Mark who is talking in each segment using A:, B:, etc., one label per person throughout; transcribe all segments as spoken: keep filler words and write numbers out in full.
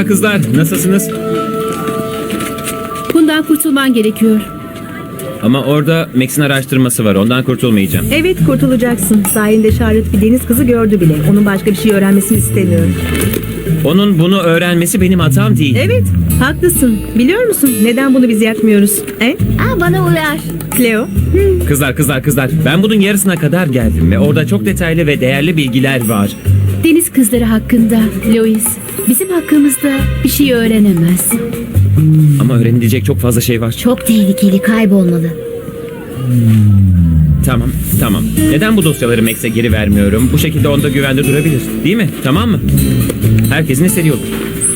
A: Merhaba kızlar, nasılsınız?
B: Bundan kurtulman gerekiyor.
A: Ama orada Max'in araştırması var, ondan kurtulmayacağım.
C: Evet, kurtulacaksın. Sayende Charlotte bir deniz kızı gördü bile. Onun başka bir şey öğrenmesini istemiyorum.
A: Onun bunu öğrenmesi benim hatam değil.
C: Evet, haklısın. Biliyor musun neden bunu biz yapmıyoruz? He?
B: Aa, bana uyar.
C: Cleo?
A: Kızlar, kızlar, kızlar. Ben bunun yarısına kadar geldim ve orada çok detaylı ve değerli bilgiler var.
B: Deniz kızları hakkında Lois, bizim hakkımızda bir şey öğrenemez.
A: Ama öğrenilecek çok fazla şey var.
B: Çok tehlikeli, kaybolmalı.
A: Tamam, tamam. Neden bu dosyaları Max'e geri vermiyorum? Bu şekilde onda güvende durabilir. Değil mi? Tamam mı? Herkesin istediği olur.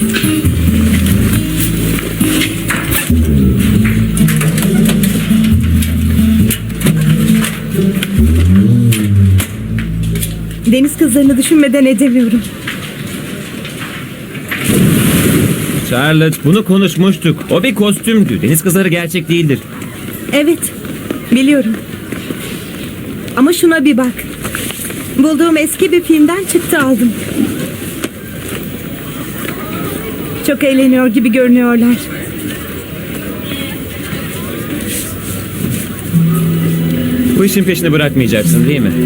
C: Deniz kızlarını düşünmeden edemiyorum.
A: Charlotte, bunu konuşmuştuk. O bir kostümdü. Deniz kızları gerçek değildir.
C: Evet, biliyorum. Ama şuna bir bak. Bulduğum eski bir filmden çıktı aldım. Çok eğleniyor gibi görünüyorlar.
A: Bu işin peşini bırakmayacaksın değil mi?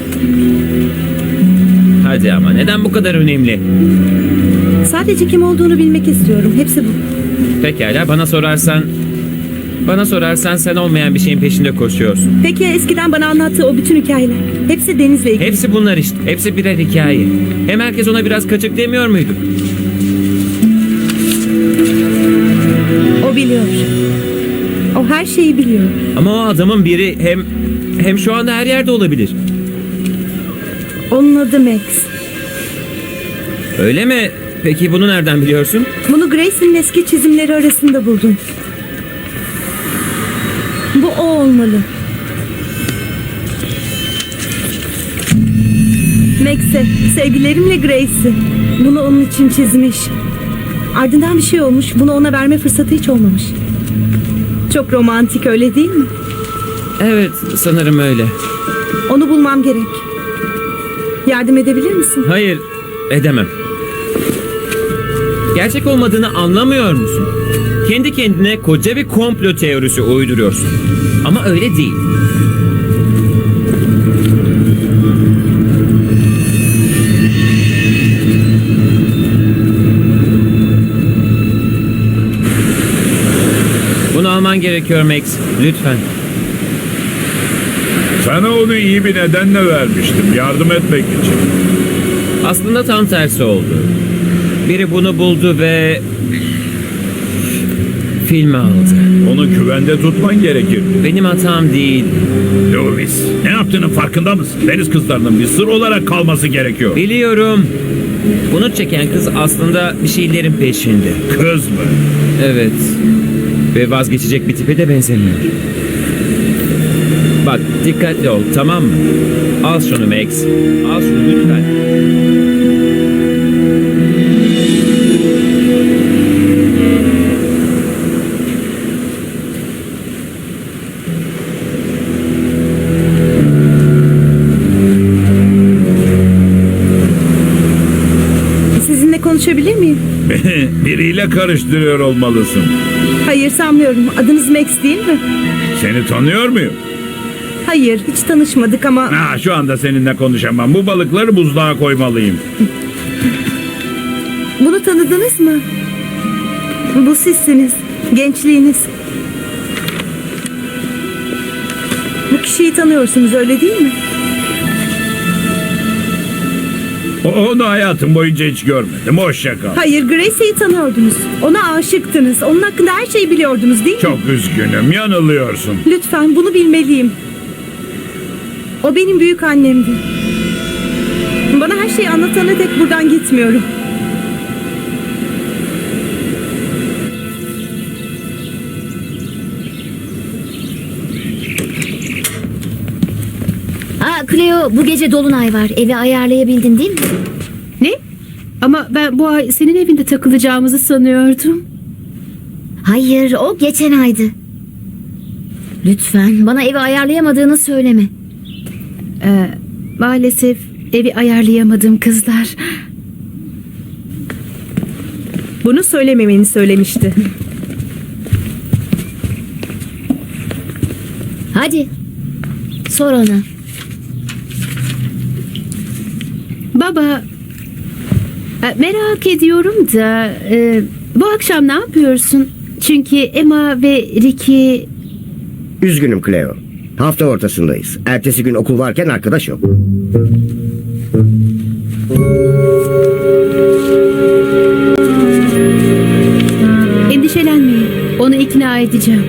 A: Hadi ama neden bu kadar önemli?
C: Sadece kim olduğunu bilmek istiyorum. Hepsi bu.
A: Pekala, bana sorarsan... Bana sorarsan sen olmayan bir şeyin peşinde koşuyorsun.
C: Peki eskiden bana anlattığı o bütün hikayeler? Hepsi Deniz'le ilgili.
A: Hepsi bunlar işte. Hepsi birer hikaye. Hem herkes ona biraz kaçık demiyor muydu?
C: O biliyor. O her şeyi biliyor.
A: Ama o adamın biri hem... Hem şu anda her yerde olabilir.
C: Onun adı Max.
A: Öyle mi? Peki bunu nereden biliyorsun?
C: Bunu Grace'in eski çizimleri arasında buldum. Bu o olmalı. Max'e, sevgilerimle Grace'i. Bunu onun için çizmiş. Ardından bir şey olmuş. Bunu ona verme fırsatı hiç olmamış. Çok romantik, öyle değil mi?
A: Evet, sanırım öyle.
C: Onu bulmam gerek. Yardım edebilir misin?
A: Hayır, edemem. Gerçek olmadığını anlamıyor musun? Kendi kendine koca bir komplo teorisi uyduruyorsun. Ama öyle değil. Bunu alman gerekiyor Max. Lütfen.
D: Sana onu iyi bir nedenle vermiştim. Yardım etmek için.
A: Aslında tam tersi oldu. Biri bunu buldu ve... filmi aldı.
D: Onu güvende tutman gerekir.
A: Benim hatam değil.
D: Louis, ne yaptığının farkında mısın? Deniz kızlarının bir sır olarak kalması gerekiyor.
A: Biliyorum. Bunu çeken kız aslında bir şeylerin peşinde.
D: Kız mı?
A: Evet. Ve vazgeçecek bir tipe de benzemiyor. Bak, dikkatli ol, tamam mı? Al şunu Max. Al şunu lütfen.
C: Sizinle konuşabilir miyim?
D: Biriyle karıştırıyor olmalısın.
C: Hayır, sanmıyorum. Adınız Max değil mi?
D: Seni tanıyor muyum?
C: Hayır, hiç tanışmadık ama...
D: Ha, şu anda seninle konuşamam. Bu balıkları buzluğa koymalıyım.
C: Bunu tanıdınız mı? Bu sizsiniz. Gençliğiniz. Bu kişiyi tanıyorsunuz, öyle değil mi?
D: O- Onu hayatım boyunca hiç görmedim. Hoşça kal.
C: Hayır, Grace'i tanıyordunuz. Ona aşıktınız. Onun hakkında her şeyi biliyordunuz, değil mi?
D: Çok üzgünüm. Yanılıyorsun.
C: Lütfen, bunu bilmeliyim. O benim büyük annemdi. Bana her şeyi anlatana dek buradan gitmiyorum.
E: Aa Cleo, bu gece dolunay var. Evi ayarlayabildin değil mi?
B: Ne? Ama ben bu ay senin evinde takılacağımızı sanıyordum.
E: Hayır, o geçen aydı. Lütfen bana evi ayarlayamadığını söyleme.
B: Ee, maalesef evi ayarlayamadım kızlar.
C: Bunu söylememeni söylemişti.
E: Hadi. Sor ona.
B: Baba, e, merak ediyorum da e, bu akşam ne yapıyorsun? Çünkü Emma ve Ricky...
F: Üzgünüm Cleo. Hafta ortasındayız. Ertesi gün okul varken arkadaş yok.
B: Endişelenmeyin. Onu ikna edeceğim.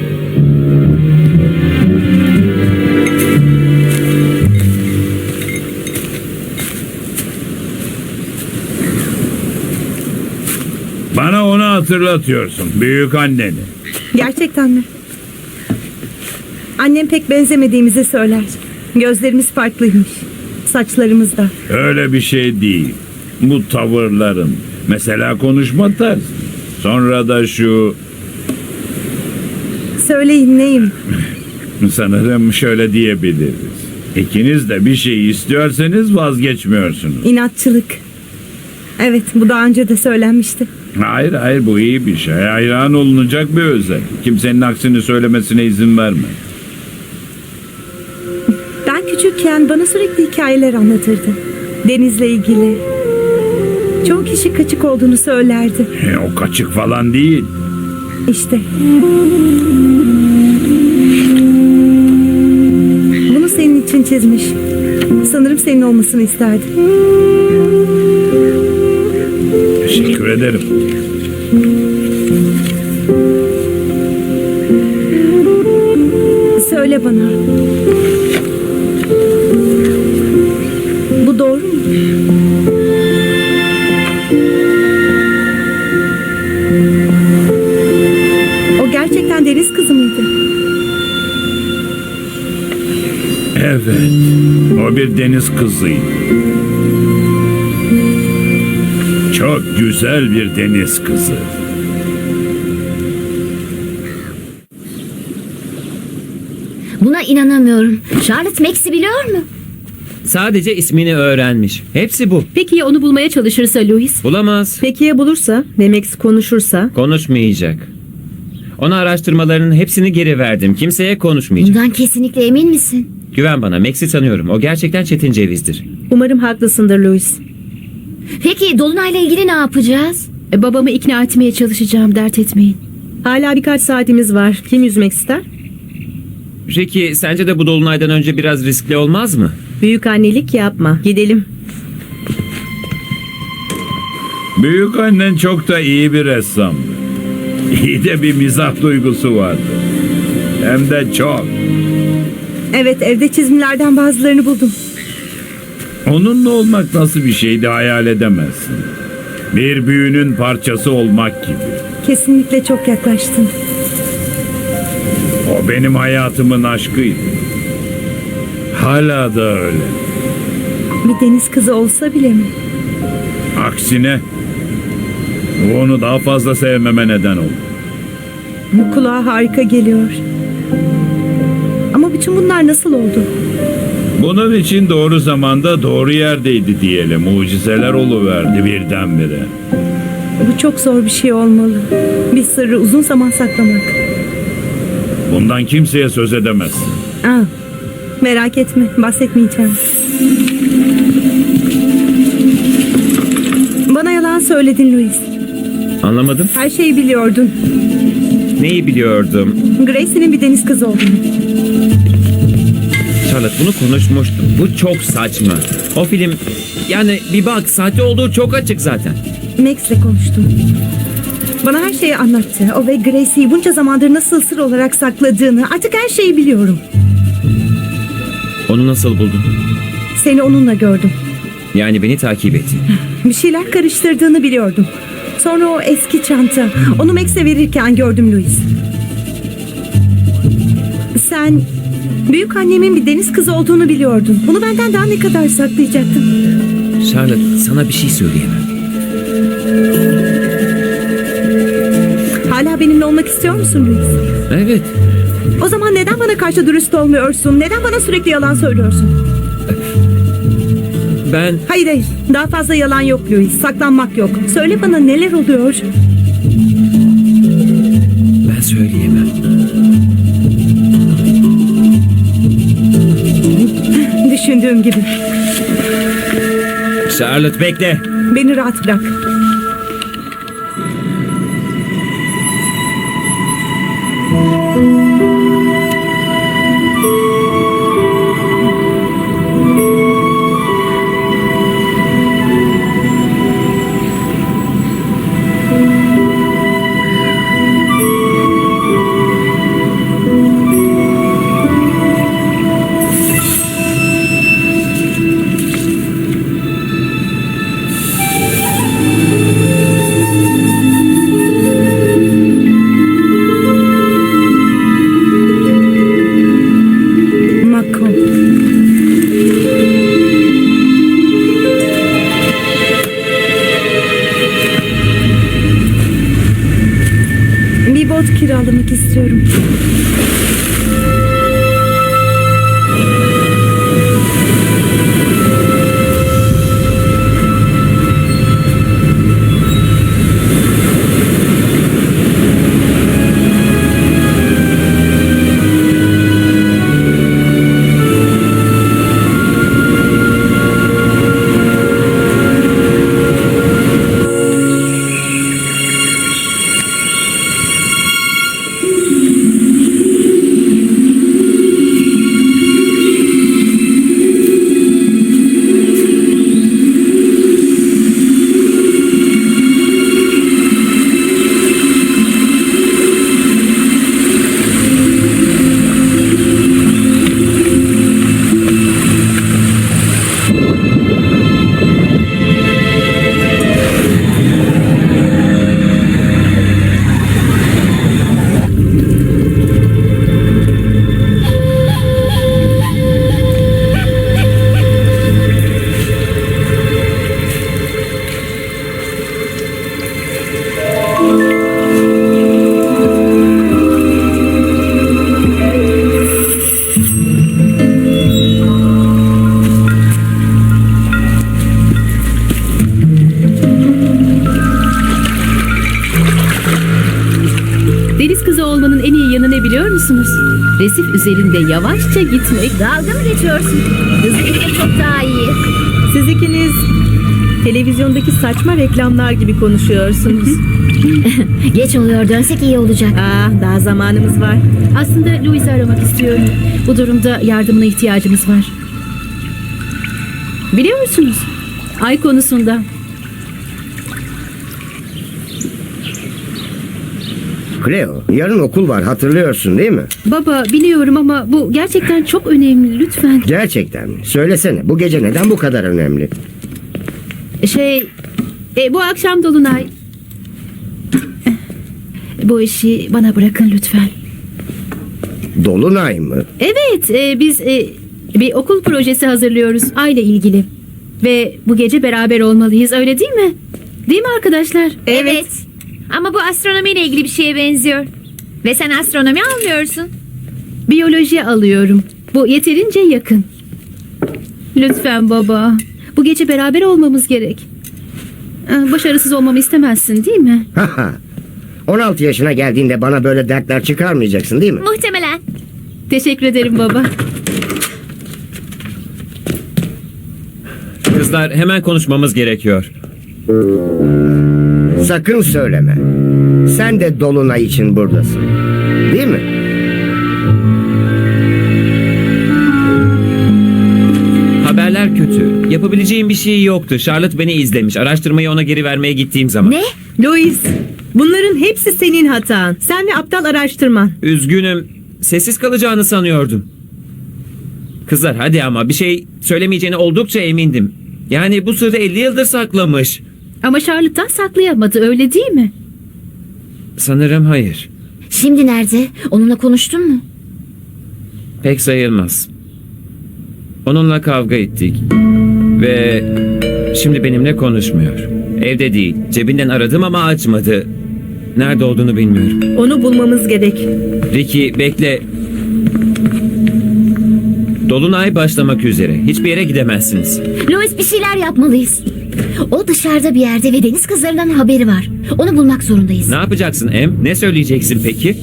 D: Bana onu hatırlatıyorsun. Büyük anneni.
C: Gerçekten mi? Annem pek benzemediğimizi söyler. Gözlerimiz farklıymış. Saçlarımız da.
D: Öyle bir şey değil. Bu tavırların. Mesela konuşma tarzı. Sonra da şu...
C: Söyleyin neyim?
D: Sanırım şöyle diyebiliriz. İkiniz de bir şey istiyorsanız vazgeçmiyorsunuz.
C: İnatçılık. Evet, bu daha önce de söylenmişti.
D: Hayır hayır, bu iyi bir şey. Hayran olunacak bir özellik. Kimsenin aksini söylemesine izin verme.
C: Ben küçükken bana sürekli hikayeler anlatırdı. Denizle ilgili. Çoğu kişi kaçık olduğunu söylerdi.
D: E, o kaçık falan değil.
C: İşte. Bunu senin için çizmiş. Sanırım senin olmasını isterdi.
D: Teşekkür ederim.
C: Söyle bana. Bu doğru mu? O gerçekten deniz kızı mıydı?
D: Evet. O bir deniz kızıydı. Çok güzel bir deniz kızı.
E: Buna inanamıyorum. Charlotte Max'i biliyor mu?
A: Sadece ismini öğrenmiş. Hepsi bu.
B: Peki ya onu bulmaya çalışırsa Louis?
A: Bulamaz.
C: Peki ya bulursa ve Max konuşursa?
A: Konuşmayacak. Ona araştırmalarının hepsini geri verdim. Kimseye konuşmayacak.
E: Bundan kesinlikle emin misin?
A: Güven bana. Max'i tanıyorum. O gerçekten çetin cevizdir.
C: Umarım haklısındır Louis.
E: Peki Dolunay'la ilgili ne yapacağız?
B: E, babamı ikna etmeye çalışacağım, dert etmeyin.
C: Hala birkaç saatimiz var. Kim yüzmek ister?
A: Ricky, sence de bu dolunaydan önce biraz riskli olmaz mı?
C: Büyük annelik yapma. Gidelim.
D: Büyük annen çok da iyi bir ressamdı. İyi de bir mizah duygusu vardı. Hem de çok.
C: Evet, evde çizimlerden bazılarını buldum.
D: Onunla olmak nasıl bir şeydi hayal edemezsin. Bir büyünün parçası olmak gibi.
C: Kesinlikle çok yaklaştın.
D: O benim hayatımın aşkıydı. Hala da öyle.
C: Bir deniz kızı olsa bile mi?
D: Aksine bu onu daha fazla sevmeme neden oldu.
C: Bu kulağa harika geliyor. Ama bütün bunlar nasıl oldu?
D: Bunun için doğru zamanda doğru yerdeydi diyelim. Mucizeler oluverdi birdenbire.
C: Bu çok zor bir şey olmalı. Bir sırrı uzun zaman saklamak.
D: Bundan kimseye söz edemezsin.
C: Aa, merak etme, bahsetmeyeceğim. Bana yalan söyledin Louis.
A: Anlamadım.
C: Her şeyi biliyordun.
A: Neyi biliyordum?
C: Grace'nin bir deniz kızı olduğunu.
A: Charlotte, bunu konuşmuştuk. Bu çok saçma. O film... Yani bir bak, sahte olduğu çok açık zaten.
C: Max'le konuştum. Bana her şeyi anlattı. O ve Grace'i bunca zamandır nasıl sır olarak sakladığını, artık her şeyi biliyorum.
A: Onu nasıl buldun?
C: Seni onunla gördüm.
A: Yani beni takip etti.
C: Bir şeyler karıştırdığını biliyordum. Sonra o eski çanta. Onu Max'e verirken gördüm Louis. Sen büyük annemin bir deniz kızı olduğunu biliyordun. Bunu benden daha ne kadar saklayacaktın?
A: Charlotte, sana bir şey söyleyemem.
C: Hala benimle olmak istiyor musun Louis?
A: Evet.
C: O zaman neden bana karşı dürüst olmuyorsun? Neden bana sürekli yalan söylüyorsun?
A: Ben...
C: Hayır hayır. Daha fazla yalan yok Louis. Saklanmak yok. Söyle bana neler oluyor?
A: söyleyemem.
C: Düşündüğüm gibi.
A: Charlotte bekle.
C: Beni rahat bırak. Mako. Bir bot kiralamak istiyorum.
B: Deniz kızı olmanın en iyi yanı ne biliyor musunuz? Resif üzerinde yavaşça gitmek.
E: Dalga mı geçiyorsun? Hızlı gitmek çok daha iyi.
C: Siz ikiniz televizyondaki saçma reklamlar gibi konuşuyorsunuz.
E: Geç oluyor, dönsek iyi olacak.
C: Aa, daha zamanımız var.
B: Aslında Louis'i aramak istiyorum. Bu durumda yardımına ihtiyacımız var. Biliyor musunuz? Ay konusunda.
F: Cleo, yarın okul var hatırlıyorsun değil mi?
B: Baba biliyorum ama bu gerçekten çok önemli lütfen.
F: Gerçekten mi? Söylesene bu gece neden bu kadar önemli?
B: Şey, e, bu akşam Dolunay. Bu işi bana bırakın lütfen.
F: Dolunay mı?
B: Evet, e, biz e, bir okul projesi hazırlıyoruz aile ilgili. Ve bu gece beraber olmalıyız, öyle değil mi? Değil mi arkadaşlar?
E: Evet. Ama bu astronomiyle ilgili bir şeye benziyor. Ve sen astronomi almıyorsun.
B: Biyoloji alıyorum. Bu yeterince yakın. Lütfen baba. Bu gece beraber olmamız gerek. Ee, Başarısız olmamı istemezsin değil mi?
F: Haha. on altı yaşına geldiğinde bana böyle dertler çıkarmayacaksın değil mi?
E: Muhtemelen.
B: Teşekkür ederim baba.
A: Kızlar hemen konuşmamız gerekiyor.
F: Sakın söyleme. Sen de Dolunay için buradasın. Değil mi?
A: Haberler kötü. Yapabileceğim bir şey yoktu. Charlotte beni izlemiş. Araştırmayı ona geri vermeye gittiğim zaman.
E: Ne?
C: Louis, bunların hepsi senin hatan. Sen ve aptal araştırman.
A: Üzgünüm. Sessiz kalacağını sanıyordum. Kızlar hadi ama bir şey söylemeyeceğine oldukça emindim. Yani bu sırrı elli yıldır saklamış.
B: Ama Charlotte'tan saklayamadı, öyle değil mi?
A: Sanırım hayır.
E: Şimdi nerede? Onunla konuştun mu?
A: Pek sayılmaz. Onunla kavga ettik. Ve şimdi benimle konuşmuyor. Evde değil. Cebinden aradım ama açmadı. Nerede olduğunu bilmiyorum.
C: Onu bulmamız gerek.
A: Ricky bekle. Dolunay başlamak üzere. Hiçbir yere gidemezsiniz.
E: Louis, bir şeyler yapmalıyız. O dışarıda bir yerde ve deniz kızlarından haberi var. Onu bulmak zorundayız.
A: Ne yapacaksın Em? Ne söyleyeceksin peki?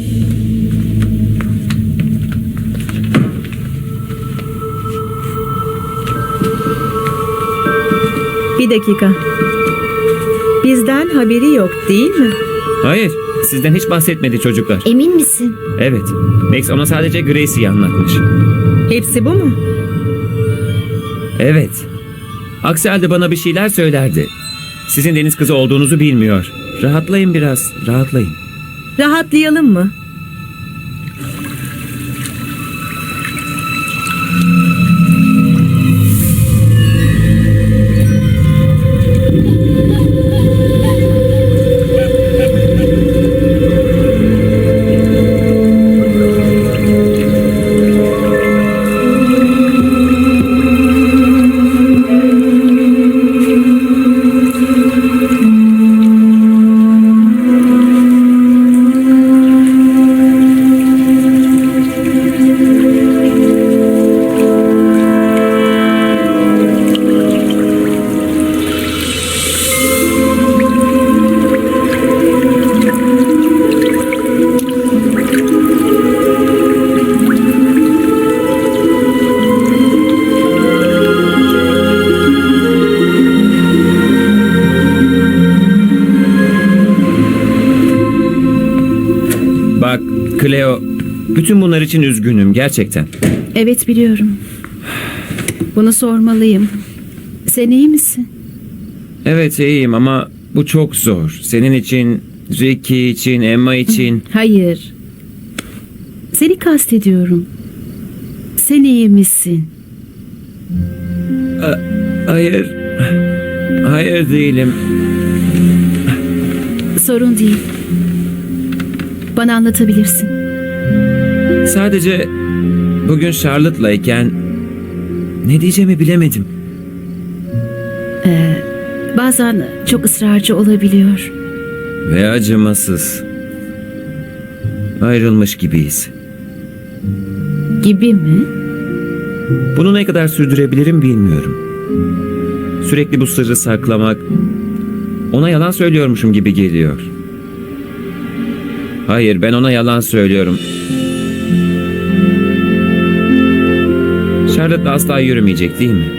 C: Bir dakika. Bizden haberi yok değil mi?
A: Hayır. Sizden hiç bahsetmedi çocuklar.
E: Emin misin?
A: Evet. Max ona sadece Gracie'yi anlatmış.
C: Hepsi bu mu?
A: Evet. Aksi halde bana bir şeyler söylerdi. Sizin deniz kızı olduğunuzu bilmiyor. Rahatlayın biraz. Rahatlayın.
C: Rahatlayalım mı?
A: Bak Cleo, bütün bunlar için üzgünüm gerçekten.
B: Evet biliyorum. Bunu sormalıyım. Sen iyi misin?
A: Evet iyiyim ama bu çok zor. Senin için, Ricky için, Emma için.
B: Hayır. Seni kastediyorum. Sen iyi misin?
A: Hayır. Hayır değilim.
B: Sorun değil. Bana anlatabilirsin.
A: Sadece bugün Charlotte'layken ne diyeceğimi bilemedim.
B: Bazen çok ısrarcı olabiliyor.
A: Ve acımasız. Ayrılmış gibiyiz.
B: Gibi mi?
A: Bunu ne kadar sürdürebilirim bilmiyorum. Sürekli bu sırrı saklamak ona yalan söylüyormuşum gibi geliyor. Hayır, ben ona yalan söylüyorum. Charlotte asla yürümeyecek değil mi?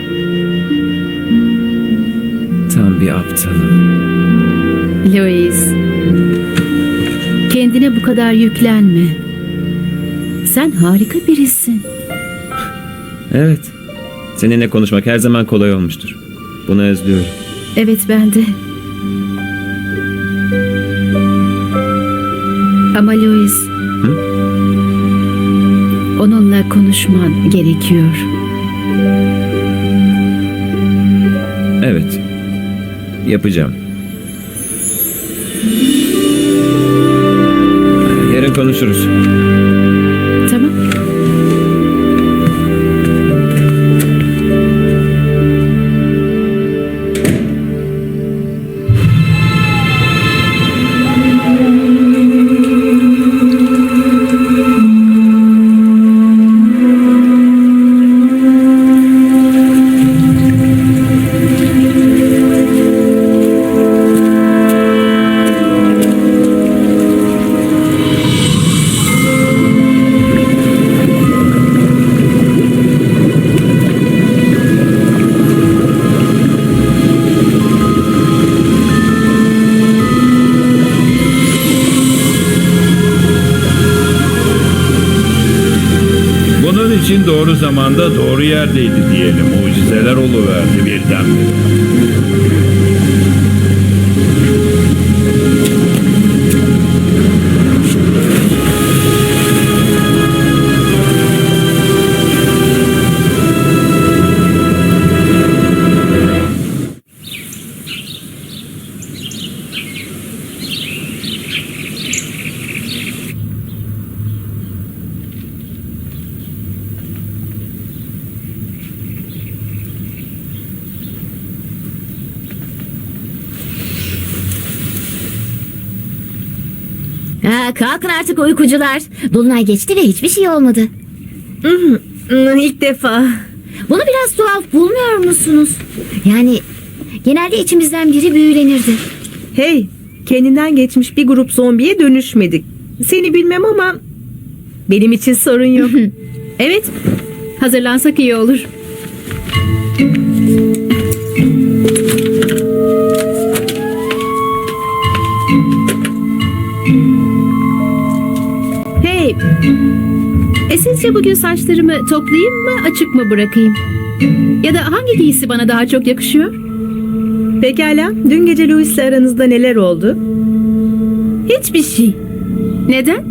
A: Tam bir aptalım.
B: Louis. Kendine bu kadar yüklenme. Sen harika birisin.
A: Evet. Seninle konuşmak her zaman kolay olmuştur. Bunu özlüyorum.
B: Evet ben de. Ama Louis. Onunla konuşman gerekiyor.
A: Evet. Yapacağım. Yarın konuşuruz.
B: Tamam.
D: Bunun için doğru zamanda doğru yerdeydi diyelim. Mucizeler oluverdi birdenbire.
E: Ha, kalkın artık uykucular. Dolunay geçti ve hiçbir şey olmadı.
C: Hmm, İlk defa.
E: Bunu biraz tuhaf bulmuyor musunuz? Yani Genelde içimizden biri büyülenirdi.
C: Hey, kendinden geçmiş bir grup zombiye dönüşmedik. Seni bilmem ama benim için sorun yok.
B: Evet, hazırlansak iyi olur. Hey, e sizce bugün saçlarımı toplayayım mı, açık mı bırakayım? Ya da hangi giysi bana daha çok yakışıyor?
C: Pekala, dün gece Louis'le aranızda neler oldu?
B: Hiçbir şey. Neden?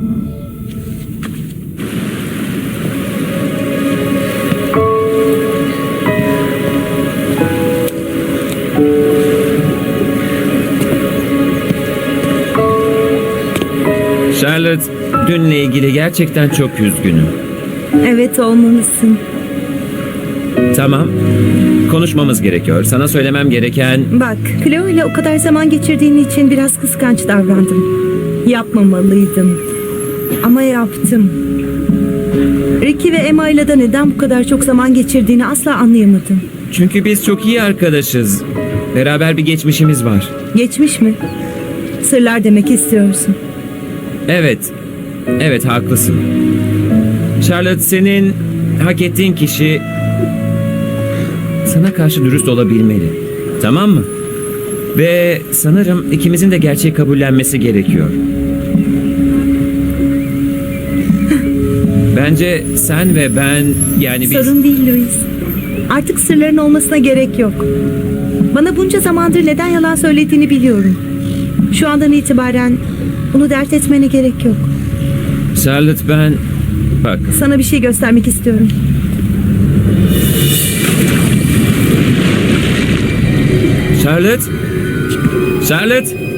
A: Charlotte, dünle ilgili gerçekten çok üzgünüm.
C: Evet, olmalısın.
A: Tamam. Konuşmamız gerekiyor. Sana söylemem gereken...
C: Bak, Cleo ile o kadar zaman geçirdiğin için biraz kıskanç davrandım. Yapmamalıydım. Ama yaptım. Ricky ve Emma ile de neden bu kadar çok zaman geçirdiğini asla anlayamadım.
A: Çünkü biz çok iyi arkadaşız. Beraber bir geçmişimiz var.
C: Geçmiş mi? Sırlar demek istiyorsun.
A: Evet. Evet, haklısın. Charlotte, senin hak ettiğin kişi sana karşı dürüst olabilmeli. Tamam mı? Ve sanırım ikimizin de gerçeği kabullenmesi gerekiyor. Bence sen ve ben, yani biz...
C: Sorun değil Louis. Artık sırların olmasına gerek yok. Bana bunca zamandır neden yalan söylediğini biliyorum. Şu andan itibaren bunu dert etmene gerek yok.
A: Charlotte, ben... Bak,
C: Sana bir şey göstermek istiyorum.
A: Charlotte? Charlotte?